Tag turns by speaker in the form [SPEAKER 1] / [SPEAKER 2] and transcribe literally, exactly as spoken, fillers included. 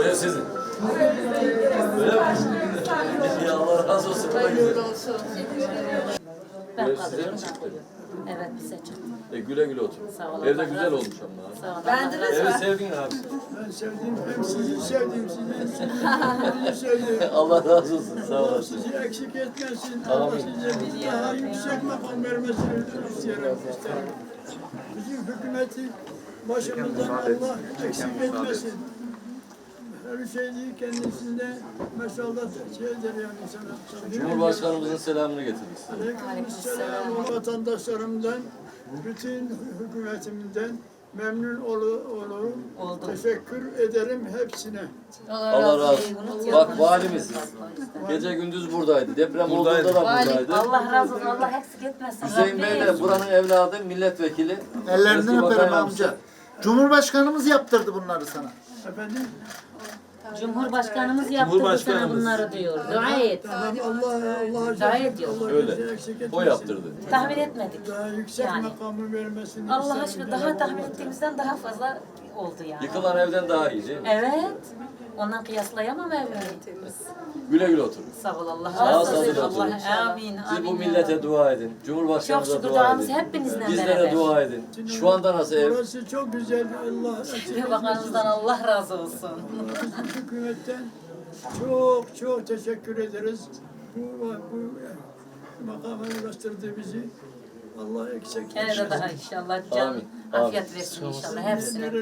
[SPEAKER 1] Ev sizin. Öyle mi? Ya Allah razı olsun.
[SPEAKER 2] Hayırlı olsun.
[SPEAKER 3] Ben
[SPEAKER 1] Ev size mi
[SPEAKER 3] kalıyorum.
[SPEAKER 1] çıktı?
[SPEAKER 3] Evet bize çıktı.
[SPEAKER 1] E güle güle otur.
[SPEAKER 3] Sağ olun.
[SPEAKER 1] Evde güzel olmuş ama.
[SPEAKER 3] Sağ olun.
[SPEAKER 2] Beğendiniz
[SPEAKER 1] Evi
[SPEAKER 2] mi?
[SPEAKER 1] sevdin abi.
[SPEAKER 4] Ben sevdiğim, hem sizi sevdim, sizi, sizi sevdim.
[SPEAKER 1] Allah razı olsun. Sağ
[SPEAKER 4] Allah
[SPEAKER 1] olasın.
[SPEAKER 4] sizi eksik etmesin. Allah size daha yüksek makam vermesini istiyorum. isterim. Bizim hükümeti başımızdan Allah eksik etmesin. Her şey değil, kendisinde mesallat şeydir yani sana.
[SPEAKER 1] Cumhurbaşkanımızın selamını getirdik.
[SPEAKER 4] Aleykümselam. Vatandaşlarımdan, bütün hükümetimden memnun olu, olu. Teşekkür ederim hepsine.
[SPEAKER 1] Allah razı olsun. Bak valimiz gece gündüz buradaydı. Deprem olduğunda da buradaydı.
[SPEAKER 3] Allah razı olsun. Allah eksik etmesin.
[SPEAKER 1] Hüseyin Bey de buranın evladı, milletvekili.
[SPEAKER 5] Ellerinden
[SPEAKER 1] Eski
[SPEAKER 5] öperim
[SPEAKER 1] bakan
[SPEAKER 5] amca. Cumhurbaşkanımız yaptırdı bunları sana.
[SPEAKER 4] Efendim,
[SPEAKER 3] Cumhurbaşkanımız yaptırdı sana bunları diyor. Dua et.
[SPEAKER 4] tamam, Allah Allah
[SPEAKER 3] Dua ediyor.
[SPEAKER 4] Allah
[SPEAKER 1] Öyle.
[SPEAKER 4] bizi eksik etmesin.
[SPEAKER 1] O yaptırdı.
[SPEAKER 3] Tahmin etmedik.
[SPEAKER 4] Daha yüksek
[SPEAKER 3] Yani.
[SPEAKER 4] makamı vermesini
[SPEAKER 3] Allah
[SPEAKER 4] isterim.
[SPEAKER 3] aşkına daha tahmin ettiğimizden daha fazla oldu yani.
[SPEAKER 1] Yıkılan evden daha iyi değil mi?
[SPEAKER 3] Evet. Ondan kıyaslayamam evimi.
[SPEAKER 1] Güle güle oturun.
[SPEAKER 3] Sağ ol Allah
[SPEAKER 1] Sağ
[SPEAKER 3] razı
[SPEAKER 1] olun,
[SPEAKER 3] olsun.
[SPEAKER 1] oturun.
[SPEAKER 3] Allah amin.
[SPEAKER 1] Siz bu
[SPEAKER 3] amin ya
[SPEAKER 1] millete
[SPEAKER 3] Rabbi.
[SPEAKER 1] dua edin.
[SPEAKER 3] Çok
[SPEAKER 1] Cumhurbaşkanımıza
[SPEAKER 3] şükür
[SPEAKER 1] dua
[SPEAKER 3] duamız
[SPEAKER 1] edin.
[SPEAKER 3] hepinizle
[SPEAKER 1] Bizlere
[SPEAKER 3] beraber.
[SPEAKER 1] dua edin. Şu anda nasıl ev?
[SPEAKER 4] Burası çok güzel. Allah eksik
[SPEAKER 3] Bakanımızdan Allah razı olsun.
[SPEAKER 4] etmesin. Hükümetten çok çok teşekkür ederiz. Bu, bu makama ulaştırdı bizi. Allah eksik
[SPEAKER 3] Gene de daha inşallah can
[SPEAKER 1] Amin, amin.
[SPEAKER 3] afiyet versin inşallah hepsine.